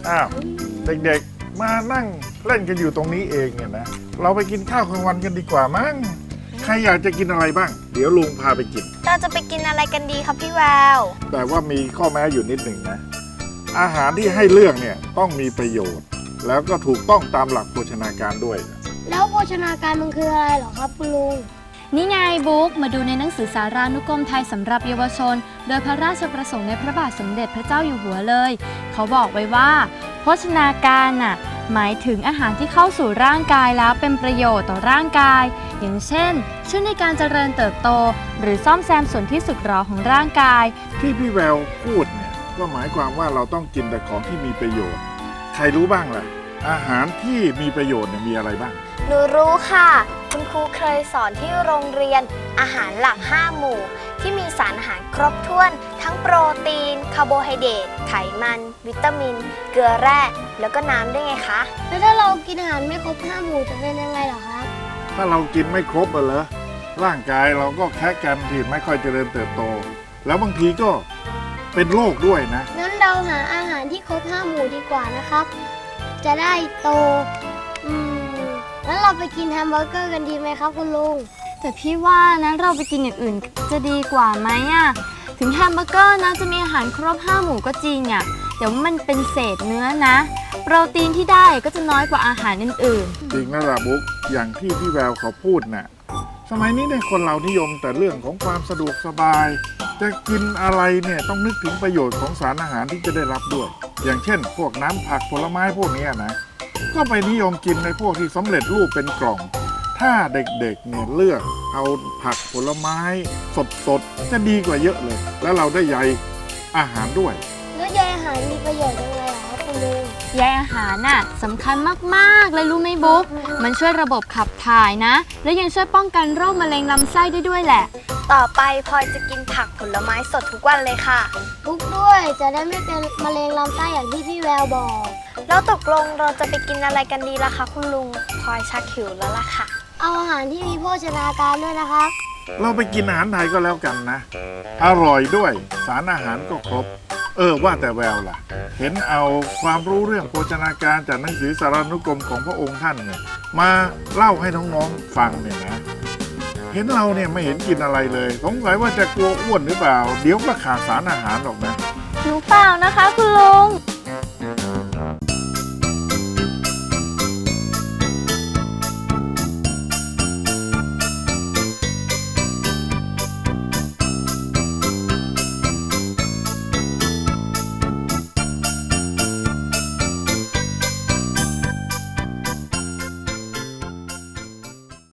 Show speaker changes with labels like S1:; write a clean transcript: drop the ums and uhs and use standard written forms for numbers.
S1: อ้าวเด็กๆมานั่งเล่นกันอยู่ตรงนี้เองเนี่ยนะเราไปกินข้าวกลางวันกันดีกว่ามั้งใครอยากจะกินอะไรบ้างเดี๋ยวลุงพาไปกิน
S2: เราจะไปกินอะไรกันดีครับพี่แวว
S1: แต่ว่ามีข้อแม้อยู่นิดหนึ่งนะอาหารที่ให้เลือกเนี่ยต้องมีประโยชน์แล้วก็ถูกต้องตามหลักโภชนาการด้วย
S3: แล้วโภชนาการมันคืออะไรเหรอครับคุณลุง
S4: นี่ไงบุ๊กมาดูในหนังสือสารานุกรมไทยสำหรับเยาวชนโดยพระราชประสงค์ในพระบาทสมเด็จพระเจ้าอยู่หัวเลยเขาบอกไว้ว่าโภชนาการน่ะหมายถึงอาหารที่เข้าสู่ร่างกายแล้วเป็นประโยชน์ต่อร่างกายอย่างเช่นช่วยในการเจริญเติบโตหรือซ่อมแซมส่วนที่สึกหรอของร่างกาย
S1: ที่พี่แววพูดเนี่ยก็หมายความว่าเราต้องกินแต่ของที่มีประโยชน์ใครรู้บ้างล่ะอาหารที่มีประโยชน์เนี่ยมีอะไรบ้าง
S2: หนูรู้ค่ะคุณครูเคยสอนที่โรงเรียนอาหารหลัก5หมู่ที่มีสารอาหารครบถ้วนทั้งโปรตีนคาร์โบไฮเดรตไขมันวิตามินเกลือแร่แล้วก็น้ำด้วยไงคะ
S3: แล้วถ้าเรากินอาหารไม่ครบ5หมู่จะเป็นยังไงเหรอครับ
S1: ถ้าเรากินไม่ครบเหรอร่างกายเราก็แค่กันที่ไม่ค่อยเจริญเติบโตแล้วบางทีก็เป็นโรคด้วยนะ
S3: งั้นเราหาอาหารที่ครบ5หมู่ดีกว่านะครับจะได้โตแล้วเราไปกินแฮมเบอร์เกอร์กันดีไหมครับคุณลุง
S4: แต่พี่ว่านะเราไปกินอย่างอื่นจะดีกว่าไหมอะถึงแฮมเบอร์เกอร์นะจะมีอาหารครบ5หมู่ก็จริงอะเดี๋ยวมันเป็นเศษเนื้อนะโปรตีนที่ได้ก็จะน้อยกว่าอาหารอื่น
S1: ๆจริงนะล่ะบุ๊กอย่างที่พี่แววเขาพูดน่ะสมัยนี้เนี่ยคนเรานิยมแต่เรื่องของความสะดวกสบายจะกินอะไรเนี่ยต้องนึกถึงประโยชน์ของสารอาหารที่จะได้รับด้วยอย่างเช่นพวกน้ำผักผลไม้พวกนี้นะก็ไปนิยมกินในพวกที่สำเร็จรูปเป็นกล่องถ้าเด็กๆเนี่ยเลือกเอาผักผลไม้สดๆจะดีกว่าเยอะเลยแล้วเราได้ใยอาหารด้วย
S3: แล้วใยอาหารมีประโยชน์ยังไงล่ะครับคุณลุง
S4: ใยอาหารน่ะสำคัญมากๆเลยรู้ไหมบุ๊กมันช่วยระบบขับถ่ายนะและยังช่วยป้องกันโรคมะเร็งลำไส้ได้ด้วยแหละ
S2: ต่อไปพลอยจะกินผักผลไม้สดทุกวันเลยค่ะ
S3: ทุกด้วยจะได้ไม่เป็นมะเร็งลำไส้อย่างที่พี่แววบอก
S2: แล้วตกลงเราจะไปกินอะไรกันดีล่ะคะคุณลุงพลอยชักหิวแล้วล่ะค่ะ
S3: เอาอาหารที่มีโภชนาการด้วยนะครับ
S1: เราไปกินอาหารไทยก็แล้วกันนะอร่อยด้วยสารอาหารก็ครบว่าแต่แววล่ะเห็นเอาความรู้เรื่องโภชนาการจากหนังสือสารานุกรมของพระองค์ท่านเนี่ยมาเล่าให้น้องๆฟังเนี่ยนะเห็นเราเนี่ยไม่เห็นกินอะไรเลยสงสัยว่าจะกลัวอ้วนหรือเปล่าเดี๋ยวก็ขาดสารอาหารหรอกนะ
S4: หนูเปล่านะคะคุณลุง